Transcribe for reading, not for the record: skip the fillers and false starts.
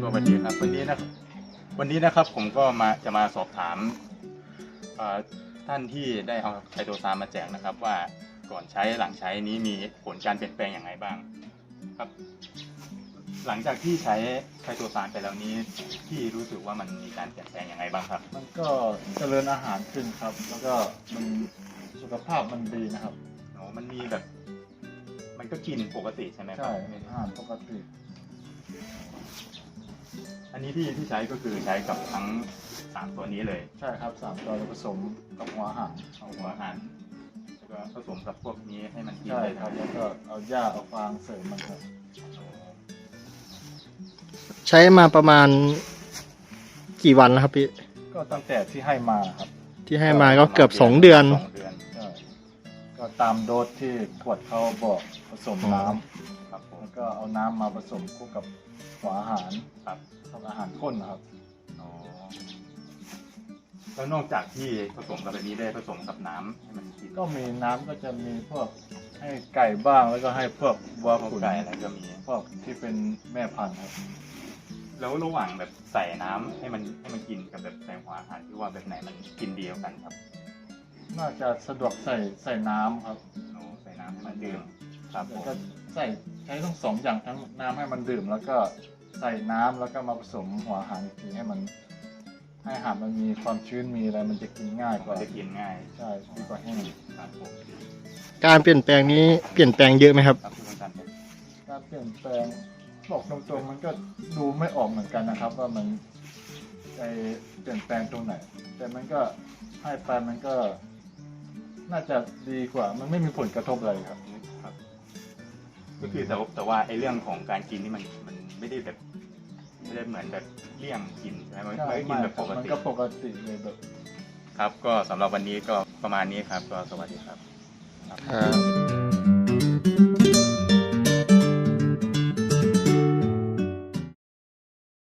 สวัสดีครับวันนี้นะครับผมก็จะมาสอบถามท่านที่ได้เอาไคโตซานมาแจกนะครับว่าก่อนใช้หลังใช้นี้มีผลการเปลี่ยนแปลงอย่างไรบ้างครับหลังจากที่ใช้ไคโตซานไปแล้วนี้ที่รู้สึกว่ามันมีการเปลี่ยนแปลงอย่างไรบ้างครับมันก็เจริญอาหารขึ้นครับแล้วก็มันสุขภาพมันดีนะครับโอ้มันมีแบบมันก็กินปกติใช่ไหมครับใช่อาหารปกติอันนี้ที่ใช้ก็คือใช้กับทั้ง3ตัวนี้เลยใช่ครับ3 ตัวผสมกับหัวอาหารเอาหัวอาหารแล้วก็ผสมกับพวกนี้ให้มันกินใช่เลยครับแล้วก็เอาหญ้าเอาฟางเสริมมันครับใช้มาประมาณกี่วันแล้วครับพี่ก็ตั้งแต่ที่ให้มาครับที่ให้มาก็เกือบ2 เดือนใช่ก็ตามโดสที่ขวดเขาบอกผสมน้ำครับผมแล้วก็เอาน้ำมาผสมคู่กับหัวอาหารครับกับอาหารข้นนะครับอ๋อแล้วนอกจากที่ผสมกับแบบนี้ได้ผสมกับน้ำให้มันกินก็มีน้ำก็จะมีพวกให้ไก่บ้างแล้วก็ให้พวกวัวขุนไก่อะไรก็มีพวกที่เป็นแม่พันธุ์ครับแล้วระหว่างแบบใส่น้ำให้มันกินกับแบบใส่หัวอาหารที่ว่าแบบไหนมันกินดีกว่ากันครับน่าจะสะดวกใส่น้ำครับโอ้ใส่น้ำให้มันดื่มครับผมก็ใช้ทั้ง2 อย่างทั้งน้ำให้มันดื่มแล้วก็ใส่น้ำแล้วก็มาผสมหัวอาหารอีกทีให้อาหารมันมีความชื้นมีอะไรมันจะกินง่ายกว่าจะกินง่ายใช่ดีกว่าแห้งครับผมการเปลี่ยนแปลงนี้เปลี่ยนแปลงเยอะไหมครับครับคุณกันการเปลี่ยนแปลงบอกตรงๆมันก็ดูไม่ออกเหมือนกันนะครับว่ามันเปลี่ยนแปลงตรงไหนแต่มันก็ให้ไปมันก็น่าจะดีกว่ามันไม่มีผลกระทบอะไรครับก็คือแต่ว่าไอ้เรื่องของการกินนี่มันไม่ได้แบบไม่ได้เหมือนแบบเลี่ยงกินใช่ไหมมันก็กินแบบปกติมันก็ปกติเลยแบบครับก็สำหรับวันนี้ก็ประมาณนี้ครับก็สวัสดีครับครับ